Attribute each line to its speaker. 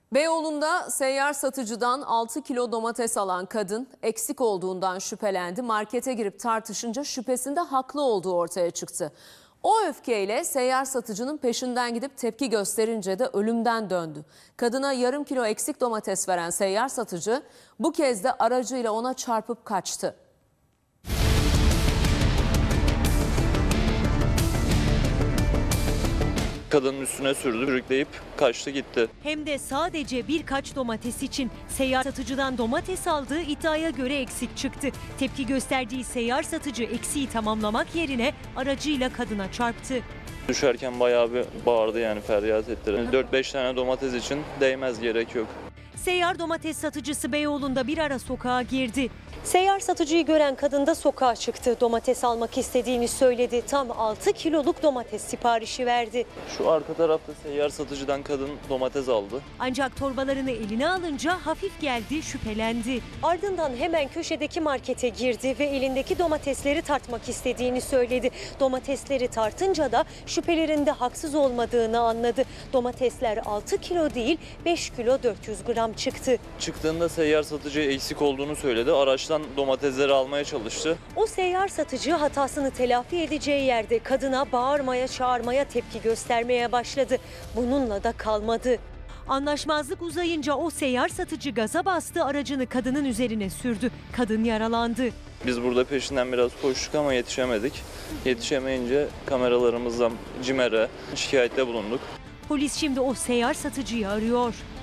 Speaker 1: Beyoğlu'nda seyyar satıcıdan 6 kilo domates alan kadın eksik olduğundan şüphelendi. Markete girip tartışınca şüphesinde haklı olduğu ortaya çıktı. O öfkeyle seyyar satıcının peşinden gidip tepki gösterince de ölümden döndü. Kadına yarım kilo eksik domates veren seyyar satıcı bu kez de aracıyla ona çarpıp kaçtı.
Speaker 2: Kadının üstüne sürdü, sürükleyip kaçtı gitti.
Speaker 3: Hem de sadece birkaç domates için seyyar satıcıdan domates aldığı iddiaya göre eksik çıktı. Tepki gösterdiği seyyar satıcı eksiği tamamlamak yerine aracıyla kadına çarptı.
Speaker 2: Düşerken bayağı bir bağırdı, yani feryat etti. 4-5 tane domates için değmez, gerek yok.
Speaker 3: Seyyar domates satıcısı Beyoğlu'nda bir ara sokağa girdi. Seyyar satıcıyı gören kadın da sokağa çıktı. Domates almak istediğini söyledi. Tam 6 kiloluk domates siparişi verdi.
Speaker 2: Şu arka tarafta seyyar satıcıdan kadın domates aldı.
Speaker 3: Ancak torbalarını eline alınca hafif geldi, şüphelendi. Ardından hemen köşedeki markete girdi ve elindeki domatesleri tartmak istediğini söyledi. Domatesleri tartınca da şüphelerinde haksız olmadığını anladı. Domatesler 6 kilo değil 5 kilo 400 gram çıktı.
Speaker 2: Çıktığında seyyar satıcı eksik olduğunu söyledi. Araçtan domatesleri almaya çalıştı.
Speaker 3: O seyyar satıcı hatasını telafi edeceği yerde kadına bağırmaya, çağırmaya, tepki göstermeye başladı. Bununla da kalmadı. Anlaşmazlık uzayınca o seyyar satıcı gaza bastı, aracını kadının üzerine sürdü. Kadın yaralandı.
Speaker 2: Biz burada peşinden biraz koştuk ama yetişemedik. Yetişemeyince kameralarımızdan CİMER'e şikayette bulunduk.
Speaker 3: Polis şimdi o seyyar satıcıyı arıyor.